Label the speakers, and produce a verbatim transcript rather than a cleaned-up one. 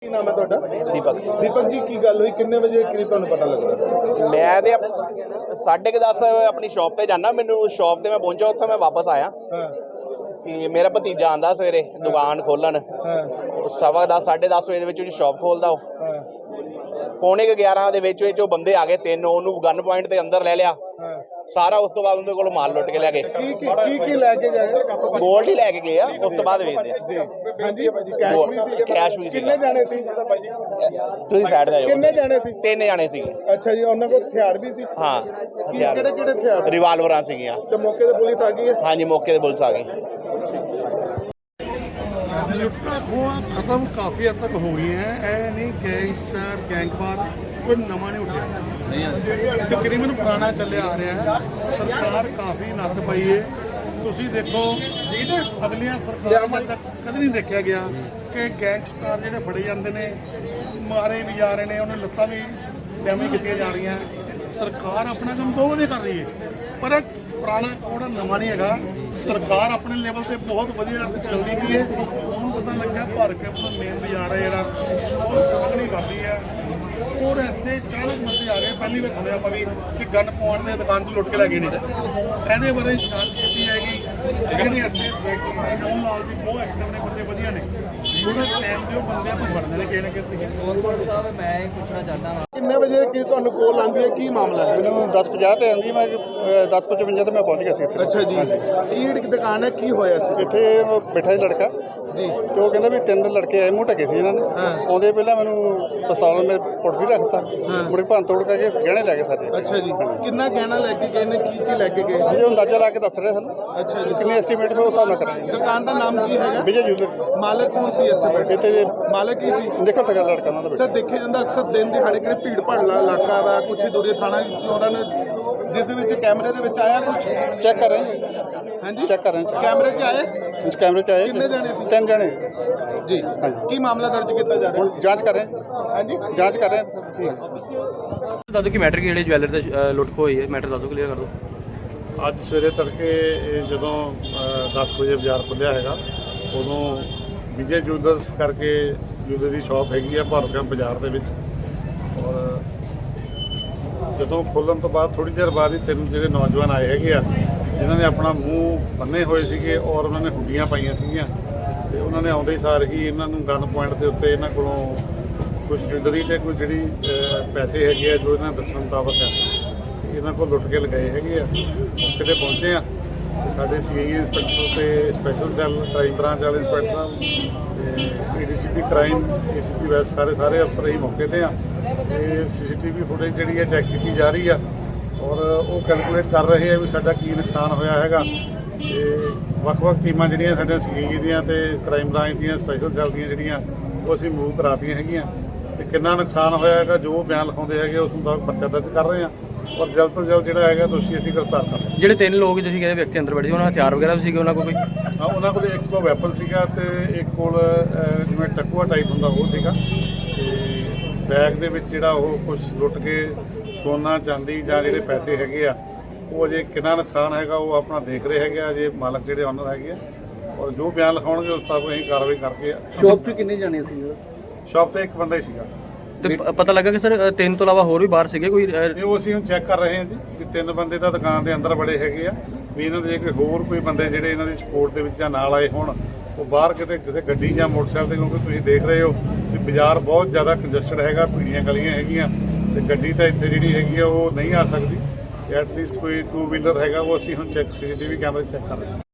Speaker 1: ਕੀ ਨਾਮ ਹੈ ਤੁਹਾਡਾ?
Speaker 2: ਦੀਪਕ।
Speaker 1: ਦੀਪਕ ਜੀ, ਕੀ ਗੱਲ ਹੋਈ? ਕਿੰਨੇ ਵਜੇ ਕਰੀਬ ਤੁਹਾਨੂੰ ਪਤਾ ਲੱਗਾ?
Speaker 2: ਮੈਂ ਤੇ ਸਾਢੇ ਕੁ ਦਸ ਆਪਣੀ ਸ਼ਾਪ ਤੇ ਜਾਣਾ, ਮੈਨੂੰ ਸ਼ਾਪ ਤੇ ਮੈਂ ਪਹੁੰਚਾ, ਉੱਥੇ ਮੈਂ ਵਾਪਸ ਆਇਆ
Speaker 1: ਹਾਂ
Speaker 2: ਕਿ ਮੇਰਾ ਭਤੀਜਾ ਆਂਦਾ ਸਵੇਰੇ ਦੁਕਾਨ ਖੋਲਣ,
Speaker 1: ਹਾਂ
Speaker 2: ਸਵਾ ਦਸ ਸਾਢੇ ਦਸ ਵਜੇ ਦੇ ਵਿੱਚ ਉਹਦੀ ਸ਼ਾਪ ਖੋਲਦਾ। ਉਹ
Speaker 1: ਹਾਂ
Speaker 2: ਪੌਣੇ ਕੁ ਗਿਆਰਾਂ ਦੇ ਵਿੱਚ ਵਿੱਚ ਉਹ ਬੰਦੇ ਆ ਗਏ ਤਿੰਨ, ਉਹਨੂੰ ਗਨ ਪੁਆਇੰਟ ਤੇ ਅੰਦਰ ਲੈ ਲਿਆ
Speaker 1: ਹਾਂ
Speaker 2: ਸਾਰਾ। ਉਸ ਤੋਂ ਬਾਅਦ ਉਹਦੇ ਕੋਲ ਮਾਲ ਲੁੱਟ ਕੇ ਲੈ ਗਏ।
Speaker 1: ਕੀ ਕੀ ਕੀ ਕੀ ਲੈ ਕੇ ਗਏ?
Speaker 2: ਗੋਲਡ ਹੀ ਲੈ ਕੇ ਗਏ ਆ, ਉਸ ਤੋਂ ਬਾਅਦ ਵੇਚਦੇ ਆ।
Speaker 1: ਜੀ ਹਾਂਜੀ, ਕੈਸ਼ ਵੀ ਸੀ?
Speaker 2: ਕੈਸ਼ ਵੀ ਸੀ।
Speaker 1: ਕਿੰਨੇ ਜਾਣੇ ਸੀ?
Speaker 2: ਤੁਸੀਂ ਸਾਈਡ ਤੇ ਜਾਓ।
Speaker 1: ਕਿੰਨੇ ਜਾਣੇ ਸੀ?
Speaker 2: ਤਿੰਨ ਜਾਣੇ ਸੀਗੇ।
Speaker 1: ਅੱਛਾ ਜੀ, ਉਹਨਾਂ ਕੋਲ ਹਥਿਆਰ ਵੀ ਸੀ?
Speaker 2: ਹਾਂ, ਹਥਿਆਰ
Speaker 1: ਕਿਹੜੇ ਕਿਹੜੇ ਹਥਿਆਰ?
Speaker 2: ਰਿਵਾਲਵਰਾਂ ਸੀਗੀਆਂ।
Speaker 1: ਤੇ ਮੌਕੇ ਤੇ ਪੁਲਿਸ ਆ ਗਈ ਹੈ?
Speaker 2: ਹਾਂਜੀ, ਮੌਕੇ ਤੇ ਪੁਲਿਸ ਆ ਗਈ।
Speaker 3: ਲੁੱਟਾਂ ਖੋਹਾਂ ਖਤਮ ਕਾਫੀ ਹੱਦ ਤੱਕ ਹੋ ਗਈਆਂ। ਇਹ ਨਹੀਂ ਗੈਂਗਸਟਰ ਗੈਂਗਵਾਰ ਕੋਈ ਨਵਾਂ ਨਹੀਂ ਉੱਠਿਆ, ਤਕਰੀਬਨ ਪੁਰਾਣਾ ਚੱਲਿਆ ਆ ਰਿਹਾ ਹੈ। ਸਰਕਾਰ ਕਾਫੀ ਨੱਥ ਪਈ ਹੈ। ਤੁਸੀਂ ਦੇਖੋ ਅਗਲੀਆਂ ਸਰਕਾਰਾਂ ਤੱਕ ਕਦੇ ਨਹੀਂ ਦੇਖਿਆ ਗਿਆ ਕਿ ਗੈਂਗਸਟਰ ਜਿਹੜੇ ਫੜੇ ਜਾਂਦੇ ਨੇ, ਮਾਰੇ ਵੀ ਜਾ ਰਹੇ ਨੇ, ਉਹਨਾਂ ਲੱਤਾਂ ਵੀ ਡੈਮੇਜ ਕੀਤੀਆਂ ਜਾ ਰਹੀਆਂ। ਸਰਕਾਰ ਆਪਣਾ ਕੰਮ ਬਹੁਤ ਵਧੀਆ ਕਰ ਰਹੀ ਹੈ, ਪਰ ਪੁਰਾਣਾ ਕੋਡ ਨਵਾਂ ਨਹੀਂ ਹੈਗਾ। ਸਰਕਾਰ ਆਪਣੇ ਲੈਵਲ ਤੇ ਬਹੁਤ ਵਧੀਆ ਚੱਲਦੀ ਪਈ ਹੈ। ਹੁਣ ਪਤਾ ਲੱਗਾ ਭਰ ਕੇ ਆਪਣਾ ਮੇਨ ਬਾਜ਼ਾਰ ਹੈ ਜਿਹੜਾ ਉਹ ਸੰਗਣੀ ਕਰਦੀ ਹੈ, ਔਰ ਇੱਥੇ ਚਾਲੀਸ ਬੰਦੇ ਆ ਗਏ। ਪਹਿਲੀ ਵਾਰ ਸੁਣਿਆ ਆਪਾਂ ਵੀ ਕਿ ਗਨ ਪਾਉਣ ਦੇ ਦੁਕਾਨ ਤੋਂ ਲੁੱਟ ਕੇ ਲੈ ਗਏ ਨੇ। ਇਹਦੇ ਬਾਰੇ ਜਾਂਚ ਕੀਤੀ ਜਾਏਗੀ। ਜਿਹੜੇ ਇੱਥੇ ਮੋਹਨ ਲਾਲ ਦੀ ਬਹੁਤ ਐਕਟਿਵ ਨੇ, ਬੰਦੇ ਵਧੀਆ ਨੇ, ਉਹਨਾਂ ਟਾਈਮ ਦੇ ਉਹ ਬੰਦੇ ਆਪਾਂ ਫੜਦੇ ਨੇ ਕਿਸੇ ਨਾ ਕਿਸੇ।
Speaker 4: ਕੌਂਸਲ ਸਾਹਿਬ, ਮੈਂ ਇਹ ਪੁੱਛਣਾ ਚਾਹੁੰਦਾ ਹਾਂ,
Speaker 1: ਕਿੰਨੇ ਵਜੇ ਕੀ ਤੁਹਾਨੂੰ ਕੋਲ ਆਉਂਦੀ ਹੈ? ਕੀ ਮਾਮਲਾ ਹੈ?
Speaker 3: ਮੈਨੂੰ ਦਸ ਪੰਜਾਹ ਤੇ ਆਉਂਦੀ, ਮੈਂ ਦਸ ਪਚਵੰਜਾ ਤੇ ਮੈਂ ਪਹੁੰਚ ਗਿਆ ਸੀ ਇੱਥੇ।
Speaker 1: ਅੱਛਾ ਜੀ, ਕੀ ਦੁਕਾਨ ਹੈ? ਕੀ ਹੋਇਆ ਸੀ?
Speaker 3: ਇੱਥੇ ਬੈਠਾ ਸੀ ਲੜਕਾ
Speaker 1: ਜੀ,
Speaker 3: ਤੇ ਉਹ ਕਹਿੰਦਾ ਵੀ ਤਿੰਨ ਲੜਕੇ ਆਏ, ਮੂੰਹ ਢਕੇ ਸੀ ਇਹਨਾਂ ਨੇ।
Speaker 1: ਹਾਂ।
Speaker 3: ਆਉਂਦੇ ਪਹਿਲਾਂ ਮੈਨੂੰ ਪਿਸਤੌਲ ਮੇ ਪੁੱਟ ਵੀ ਰੱਖਤਾ,
Speaker 1: ਹਾਂ।
Speaker 3: ਮੁੜ ਕੇ ਭੰਨ ਤੋੜ ਕਰਕੇ ਗਹਿਣੇ ਲੈ ਗਏ ਸਾਰੇ।
Speaker 1: ਅੱਛਾ ਜੀ, ਕਿੰਨਾ ਗਹਿਣਾ ਲੈ ਕੇ ਗਏ ਨੇ? ਕੀ ਕੀ ਲੈ ਕੇ ਗਏ?
Speaker 3: ਹਜੇ ਅੰਦਾਜ਼ਾ ਲਾ ਕੇ ਦੱਸ ਰਹੇ ਸਾਨੂੰ,
Speaker 1: ਅੱਛਾ ਜੀ,
Speaker 3: ਕਿੰਨੇ ਐਸਟੀਮੇਟ ਮੈਂ ਉਸ ਹਿਸਾਬ ਨਾਲ ਕਰਾਂਗੇ।
Speaker 1: ਦੁਕਾਨ ਦਾ ਨਾਮ ਕੀ ਹੈਗਾ?
Speaker 3: ਵਿਜੇ ਜੂਲਰ।
Speaker 1: ਮਾਲਕ ਕੌਣ ਸੀ ਇੱਥੇ ਬੈਠੇ?
Speaker 3: ਇੱਥੇ
Speaker 1: ਮਾਲਕ ਕੀ ਸੀ?
Speaker 3: ਦੇਖੋ ਸਕਾ ਲੜਕਾ ਉਹਨਾਂ ਦਾ
Speaker 1: ਸਰ,
Speaker 3: ਬੇਟਾ।
Speaker 1: ਦੇਖਿਆ ਜਾਂਦਾ ਅਕਸਰ ਦਿਨ ਦਿਹਾੜੇ ਕਿਹੜੇ ਭੀੜ ਭਾੜਲਾ ਇਲਾਕਾ ਵਾ, ਕੁਛ ਹੀ ਦੂਰੇ ਥਾਣਾ ਚੋਰਾਂ ਨੇ, ਜਿਸ ਵਿੱਚ ਕੈਮਰੇ ਦੇ ਵਿੱਚ ਆਇਆ ਕੁਛ?
Speaker 3: ਚੈੱਕ ਕਰ ਰਹੇ ਹਾਂ,
Speaker 1: ਹਾਂਜੀ,
Speaker 3: ਚੈੱਕ ਕਰ ਰਹੇ ਹਾਂ।
Speaker 1: ਕੈਮਰੇ 'ਚ ਆਏ?
Speaker 3: ਇਸ ਕੈਮਰੇ 'ਚ ਆਏ
Speaker 1: ਕਿੰਨੇ ਜਾਣੇ ਸੀ?
Speaker 3: ਤਿੰਨ ਜਣੇ
Speaker 1: ਜੀ,
Speaker 3: ਹਾਂਜੀ।
Speaker 1: ਕੀ ਮਾਮਲਾ ਦਰਜ ਕੀਤਾ ਜਾ ਰਿਹਾ?
Speaker 3: ਹੁਣ ਜਾਂਚ ਕਰ ਰਹੇ ਹਾਂ,
Speaker 1: ਹਾਂਜੀ,
Speaker 3: ਜਾਂਚ ਕਰ ਰਹੇ ਹਾਂ ਸਰ।
Speaker 5: ਦੱਸ ਦਿਓ ਕਿ ਮੈਟਰ ਕੀ ਜਿਹੜੇ ਜਵੈਲਰ ਤੇ ਅ, ਲੁੱਟ ਖੋਹ ਹੋਈ ਹੈ, ਮੈਟਰ ਦੱਸ ਦਿਓ, ਕਲੀਅਰ ਕਰ ਦਿਓ।
Speaker 6: ਅੱਜ ਸਵੇਰੇ ਤੜਕੇ ਇਹ ਜਦੋਂ ਦਸ ਵਜੇ ਬਾਜ਼ਾਰ ਖੁੱਲ੍ਹਿਆ ਹੈਗਾ, ਉਦੋਂ ਵਿਜੇ ਜੂਲਰਸ ਕਰਕੇ ਜੂਲਰ ਦੀ ਸ਼ਾਪ ਹੈਗੀ ਆ ਭਾਰਤਗਾਮ ਬਾਜ਼ਾਰ ਦੇ ਵਿੱਚ। ਔਰ ਜਦੋਂ ਖੋਲ੍ਹਣ ਤੋਂ ਬਾਅਦ ਥੋੜ੍ਹੀ ਦੇਰ ਬਾਅਦ ਹੀ ਤਿੰਨ ਜਿਹੜੇ ਨੌਜਵਾਨ ਆਏ ਹੈਗੇ ਆ, ਜਿਨ੍ਹਾਂ ਨੇ ਆਪਣਾ ਮੂੰਹ ਬੰਨੇ ਹੋਏ ਸੀਗੇ ਔਰ ਉਹਨਾਂ ਨੇ ਹੁੱਡੀਆਂ ਪਾਈਆਂ ਸੀਗੀਆਂ, ਤੇ ਉਹਨਾਂ ਨੇ ਆਉਂਦੇ ਸਾਰ ਹੀ ਇਹਨਾਂ ਨੂੰ ਗਨ ਪੁਆਇੰਟ ਦੇ ਉੱਤੇ ਇਹਨਾਂ ਕੋਲੋਂ ਕੁਝ ਜੁਐਲਰੀ ਤੇ ਕੋਈ ਜਿਹੜੀ ਪੈਸੇ ਹੈਗੇ ਆ ਜੋ ਇਹਨਾਂ ਦੱਸਣ ਮੁਤਾਬਕ ਹੈ, ਇਹਨਾਂ ਕੋਲ ਲੁੱਟ ਕੇ ਲਗਾਏ ਹੈਗੇ ਆ। ਮੌਕੇ 'ਤੇ ਪਹੁੰਚੇ ਆ ਤੇ ਸਾਡੇ ਸੀ ਆਈ ਇੰਸਪੈਕਟਰ ਤੇ ਸਪੈਸ਼ਲ ਸੈੱਲ ਕ੍ਰਾਈਮ ਬ੍ਰਾਂਚ ਵਾਲੇ ਇੰਸਪੈਕਟਰ ਸਾਹਿਬ ਤੇ A D C P crime, A C P west, ਸਾਰੇ ਸਾਰੇ ਅਫਸਰ ਹੀ ਮੌਕੇ 'ਤੇ ਆ। ਤੇ ਸੀ ਸੀ ਟੀ ਵੀ ਫੁਟੇਜ ਜਿਹੜੀ ਹੈ ਚੈੱਕ ਕੀਤੀ ਜਾ ਰਹੀ ਆ ਔਰ ਉਹ ਕੈਲਕੂਲੇਟ ਕਰ ਰਹੇ ਆ ਵੀ ਸਾਡਾ ਕੀ ਨੁਕਸਾਨ ਹੋਇਆ ਹੈਗਾ। ਤੇ ਵੱਖ-ਵੱਖ ਟੀਮਾਂ ਜਿਹੜੀਆਂ ਸਾਡੀਆਂ ਸੀ ਆਈ ਦੀਆਂ ਤੇ ਕ੍ਰਾਈਮ ਬ੍ਰਾਂਚ ਦੀਆਂ ਸਪੈਸ਼ਲ ਸੈੱਲ ਦੀਆਂ ਜਿਹੜੀਆਂ ਉਹ ਅਸੀਂ ਮੂਵ ਕਰਾਤੀਆਂ ਹੈਗੀਆਂ, ਤੇ ਕਿੰਨਾ ਨੁਕਸਾਨ ਹੋਇਆ ਹੈਗਾ ਜੋ ਬਿਆਨ ਲਿਖਾਉਂਦੇ ਹੈਗੇ ਉਸ ਮੁਤਾਬਕ ਪਰਚਾ ਦਰਜ ਕਰ ਰਹੇ ਆ ਔਰ ਜਲਦ ਤੋਂ ਜਲਦ ਜਿਹੜਾ ਹੈਗਾ ਦੋਸ਼ੀ ਅਸੀਂ ਗ੍ਰਿਫਤਾਰ ਕਰ ਰਹੇ।
Speaker 5: ਜਿਹੜੇ ਤਿੰਨ ਲੋਕ ਤੁਸੀਂ ਕਹਿੰਦੇ ਵਿਅਕਤੀ ਅੰਦਰ ਬੈਠੇ ਸੀ, ਉਹਨਾਂ ਹਥਿਆਰ ਵਗੈਰਾ ਵੀ ਸੀਗੇ ਉਹਨਾਂ ਕੋਲ ਕੋਈ?
Speaker 6: ਹਾਂ, ਉਹਨਾਂ ਕੋਲ ਇੱਕ ਸੌ ਵੈਪਨ ਸੀਗਾ ਤੇ ਇੱਕ ਕੋਲ ਜਿਵੇਂ ਟਕੂਆ ਟਾਈਪ ਹੁੰਦਾ ਉਹ ਸੀਗਾ, ਤੇ ਬੈਗ ਦੇ ਵਿੱਚ ਜਿਹੜਾ ਉਹ ਕੁਝ ਲੁੱਟ ਕੇ ਸੋਨਾ ਚਾਂਦੀ ਜਾਂ ਜਿਹੜੇ ਪੈਸੇ ਹੈਗੇ ਆ ਉਹ ਅਜੇ ਕਿੰਨਾ ਨੁਕਸਾਨ ਹੈਗਾ ਉਹ ਆਪਣਾ ਦੇਖ ਰਹੇ ਹੈਗੇ ਆ ਜੇ ਮਾਲਕ ਜਿਹੜੇ ਓਨਰ ਹੈਗੇ ਆ, ਔਰ ਜੋ ਬਿਆਨ ਲਿਖਾਉਣਗੇ ਉਸ ਤਰ੍ਹਾਂ ਅਸੀਂ ਕਾਰਵਾਈ ਕਰਕੇ।
Speaker 5: ਸ਼ੌਪ 'ਚ ਕਿੰਨੇ ਜਾਣੇ ਸੀ?
Speaker 6: ਸ਼ਾਪ ਤੇ ਇੱਕ ਬੰਦਾ ਹੀ ਸੀਗਾ।
Speaker 5: ਤੇ ਪ- ਪਤਾ ਲੱਗਾ ਕਿ ਸਰ ਤਿੰਨ ਤੋਂ ਇਲਾਵਾ ਹੋਰ ਵੀ ਬਾਹਰ ਸੀਗੇ ਕੋਈ? ਅ,
Speaker 6: ਇਹ ਉਹ ਅਸੀਂ ਹੁਣ ਚੈੱਕ ਕਰ ਰਹੇ ਹਾਂ ਜੀ ਕਿ ਤਿੰਨ ਬੰਦੇ ਤਾਂ ਦੁਕਾਨ ਦੇ ਅੰਦਰ ਬੜੇ ਹੈਗੇ ਆ, ਵੀ ਇਹਨਾਂ ਦੇ ਜੇ ਕੋਈ ਹੋਰ ਕੋਈ ਬੰਦੇ ਜਿਹੜੇ ਇਹਨਾਂ ਦੀ ਸਪੋਰਟ ਦੇ ਵਿੱਚ ਜਾਂ ਨਾਲ ਆਏ ਹੋਣ ਉਹ ਬਾਹਰ ਕਿਤੇ ਕਿਸੇ ਗੱਡੀ ਜਾਂ ਮੋਟਰਸਾਈਕਲ ਤੇ, ਕਿਉਂਕਿ ਤੁਸੀਂ ਦੇਖ ਰਹੇ ਹੋ ਕਿ ਬਾਜ਼ਾਰ ਬਹੁਤ ਜ਼ਿਆਦਾ ਕੰਜਸਟਡ ਹੈਗਾ, ਭੀੜੀਆਂ ਗਲੀਆਂ ਹੈਗੀਆਂ ਤੇ ਗੱਡੀ ਤਾਂ ਇੱਥੇ ਜਿਹੜੀ ਹੈਗੀ ਆ ਉਹ ਨਹੀਂ ਆ ਸਕਦੀ। ਐਟਲੀਸਟ ਕੋਈ ਟੂ ਵੀਲਰ ਹੈਗਾ ਉਹ ਅਸੀਂ ਹੁਣ ਚੈੱਕ ਸੀ ਟੀ ਵੀ ਕੈਮਰੇ ਚੈੱਕ ਕਰ ਰਹੇ ਹਾਂ।